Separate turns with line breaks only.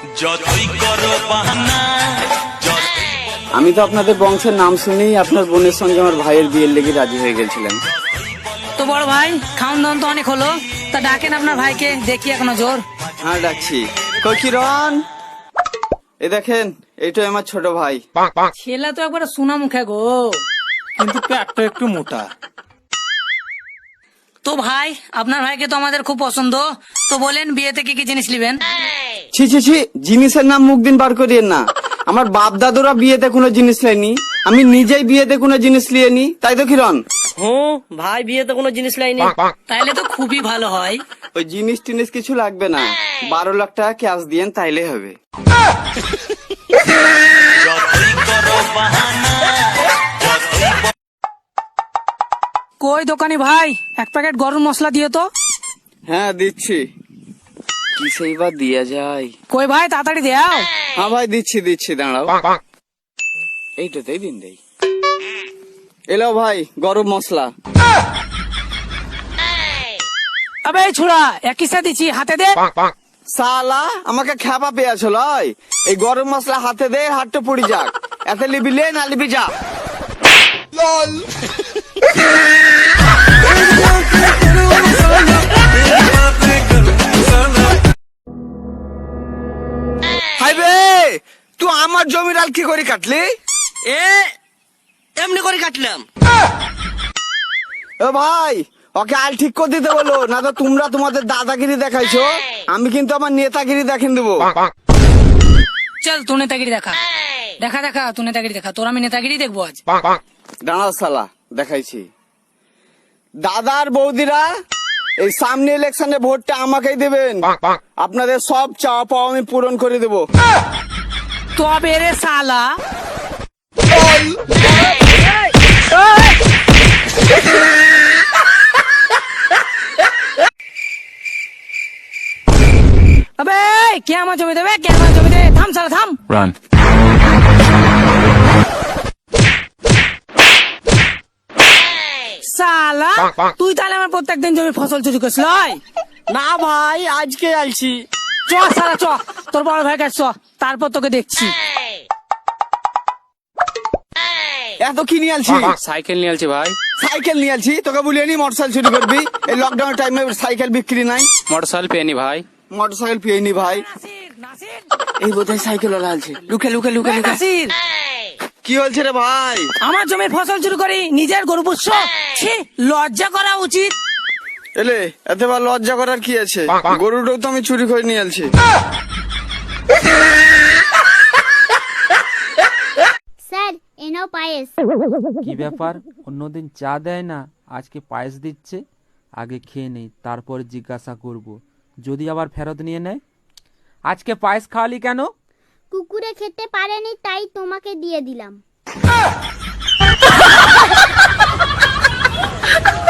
আমি তো আপনাদের বংশের নাম শুনেই আপনার বোনের সঙ্গে আমার ভাইয়ের বিয়ের লেগে রাজি হয়ে গেছিলাম।
তো বড় ভাই, খাওন দাওন তো অনেক হলো, তা ডাকেন আপনার ভাইকে, দেখি এখনো জোর।
হ্যাঁ ডাকছি। কই কিরণ, এই দেখেন এইটাই আমার ছোট ভাই।
ছেলে তো একবার সোনা মুখে গো,
কিন্তু পেটটা একটু মোটা।
তো ভাই আপনার ভাইকে তো আমাদের খুব পছন্দ, তো বলেন বিয়েতে কি কি জিনিস নিবেন?
ছি ছি ছি, জিনিসের নাম মুখ দিন বার করিয়েন না। আমার বাপ দাদুরা বিয়েতে কোনো জিনিস নেয়নি, আমি নিজেই বিয়েতে কোনো জিনিস নিয়ে নি, তাই তো কিরণ?
হুম, ভাই বিয়েতে কোনো জিনিস লাইনি।
তাইলে তো খুবই ভালো হয়।
ওই জিনিস টিনিস কিছু লাগবে না, 12 লাখ টাকা ক্যাশ দিয়েন তাইলে হবে।
কই দোকানি ভাই, এক প্যাকেট গরম মশলা দিও তো।
হ্যাঁ দিচ্ছি। কি সেইবার দিয়া যায়?
কই ভাই তাড়াতাড়ি দেও।
হ্যাঁ ভাই দিচ্ছি দিচ্ছি, দাঁড়াও। এইটাতেই দিন দেই। এলো ভাই গরম মশলা।
আবে এই ছোড়া, একই সাথে দিচ্ছি, হাতে দে।
সালা আমাকে খ্যাপা পেয়েছ লয়, এই গরম মশলা হাতে দে, হাতটা পড়ি যাক। এতে লিবি লে না লিবি যা। হাইবে তুই আমার জমির আল কি করে কাটলি?
এমনি করে কাটলাম।
ও ভাই ওকে আল ঠিক করে দিতে বলো, না তো তোমরা তোমাদের দাদাগিরি দেখাইছো, আমি কিন্তু আমার নেতাগিরি দেখিয়ে দেবো।
চল তুই নেতাগিরি দেখা, দেখা দেখা তুই নেতাগিরি দেখা, তোর আমি নেতাগিরি দেখবো আজ।
দাঁড়া সালা দেখাইছি। দাদার বৌদিরা এই সামনে ইলেকশনে ভোটটা আমাকেই দেবেন, আপনাদের সব চাওয়া পাওয়া আমি পূরণ করে দেবো।
তবে রে শালা, আবে কে আমার জমি দেবে, কে আমার জমি দেবে? থাম শালা থাম।
রান।
শালা তুই তাহলে আমার প্রত্যেকদিন জমি ফসল চুরি করিস লয়?
না ভাই, আজকে আইছি।
চ শালা চ, তোর বড় ভাই কাছে চ, তারপর তোকে দেখছি।
এত কি নিয়ে আলছি?
সাইকেল নিয়ে আসছি ভাই।
সাইকেল নিয়ে আলছি, তোকে বলিয়ে নি মোটরসাইকেল চুরি করবি? এই লকডাউন টাইমে সাইকেল বিক্রি নাই,
মোটরসাইকেল পেয়ে নি ভাই।
মোটরসাইকেল পেয়েনি ভাই।
নাসির, নাসির,
এই বোধহয় সাইকেল ওলা আলছে, লুকে লুকে লুকে লুকে।
নাসির,
কি হয়েছে রে ভাই?
আমার জমির ফসল চুরি করি নিজের গরু পুষ্য, ছি লজ্জা করা উচিত।
এলে এতবার লজ্জা করার কি আছে? গরুটাও তো আমি চুরি করে নিয়ে আলছি।
স্যার এনাও পায়েস।
কি ব্যাপার, অন্যদিন চা দেয় না, আজকে পায়েস দিচ্ছে? আগে খেয়ে নেই, তারপর জিজ্ঞাসা করব, যদি আবার ফেরত নিয়ে নেয়। আজকে পায়েস খাওয়ালি কেন?
কুকুরে খেতে পারেনি তাই তোমাকে দিয়ে দিলাম।